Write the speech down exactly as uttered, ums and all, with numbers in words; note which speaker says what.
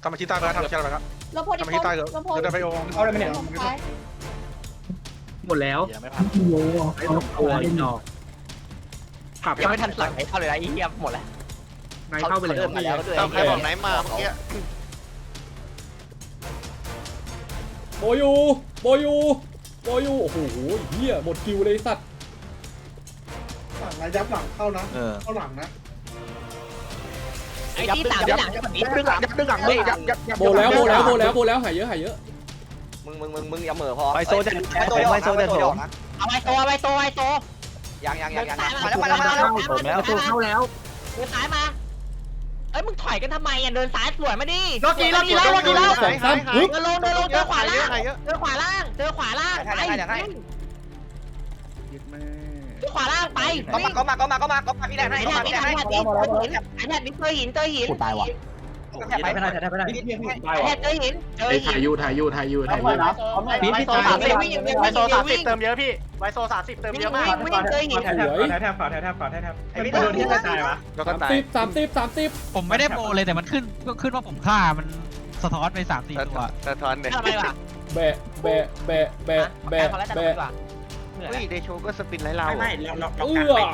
Speaker 1: ทำมาชี้ใต้ไปครับทำชี้ใต้ไปครับ
Speaker 2: เราโพส
Speaker 1: ทำมาชี้ใต้เถอะ
Speaker 2: เราโพส
Speaker 1: เดี๋ยวไปโอ
Speaker 3: เอาอะไรมาเนี่ย
Speaker 4: หมดแล้ว
Speaker 5: ยังไม่พัน
Speaker 4: โอ้โหไอ้สองตัวอีกดอกขับ
Speaker 6: ยังไม่ทันสั่งไหนเข้าเลยนะไอ้เหี้ยหมดแล้ว
Speaker 4: นายเข้าไปเลย
Speaker 6: เดินมาแล้วก็เดิน
Speaker 5: ตามใครบอกไหนมาเมื่อกี้
Speaker 3: โบยูโบยูโบยูโอ้โหเฮียหมดคิวเลยสัตว์
Speaker 7: หลังระยับหลังเข้านะ
Speaker 5: เออ
Speaker 7: เข้าหลังนะ
Speaker 6: ไอ้ที่สามที่หลังจะแบบนี้
Speaker 1: ยับดึงหลังยับดึงหลังเลยยับยับยับ
Speaker 3: โบแล้วโบแล้วโบแล้วโบแล้วหายเยอะหายเยอะ
Speaker 6: มึงมึงมึงมึงอย่าเหม่อพอ
Speaker 5: ไวโซเดนไวโซเดนผม
Speaker 6: เอาไว้โตเอาไว้โตไว้โตยังยังยังยังมาแล้วมาแล้วมาแล้ว
Speaker 4: แล้วตัวเข้าแล้ว
Speaker 6: เดินซ้ายมาเอ้ยมึงถอยกันทำไมอ่ะเดินซ้ายสวนมาดิ
Speaker 5: โลกีโลกีแล้วโลกีแล้ว
Speaker 3: สองสามฮึบ
Speaker 6: เดินลงเดินลงเจอขวาล่าง
Speaker 5: เยอะ
Speaker 6: เจอขวาล่างเจอขวาล่างไปเจอขวาล่างไปก็มาก็มาก็มาก็มาก็มาพี่แดนให้พี่แดนให้ไอ้แดนนี่เคยหินเคยหินตายว่ะไปไปได้ไปได้ไอ้แดนเคยหินเจอ
Speaker 4: ไอ้
Speaker 6: หิ
Speaker 4: ถ่าย
Speaker 6: น
Speaker 4: ยูถ่ายยูถ่ายยูถ่ายยู
Speaker 6: พี่พี่โซสามสิบวิ่งวิ่ง
Speaker 5: ไว
Speaker 6: วิ่ง
Speaker 5: โซสามสิ
Speaker 6: วิ่
Speaker 5: บ
Speaker 6: ง
Speaker 5: เติมเยอะพี่ไวโซสามสิบเติม
Speaker 6: วิ่ง
Speaker 5: เยอะมาก
Speaker 6: วิ่งเคยหิน
Speaker 3: สวย
Speaker 1: แทบฝ่าแทบแทบฝ่าแทบแทบ
Speaker 6: ไอ้พี่โดนที่ตายวะ
Speaker 1: แล้วก็
Speaker 3: สาม
Speaker 1: ตาย
Speaker 3: สิบสามสิบสามสิบ
Speaker 8: ผมไม่ได้โปรเลยแต่มันขึ้นขึ้นว่าผมฆ่ามันสะท้อนไปสามสี่ตัว
Speaker 5: สะท้อนเนี่ย
Speaker 6: ทำไมวะ
Speaker 3: แบะแบะแบะแบะแบะแบะ
Speaker 5: เฮ้ยเดโชก็สปินไล่เรา
Speaker 3: เอื้อ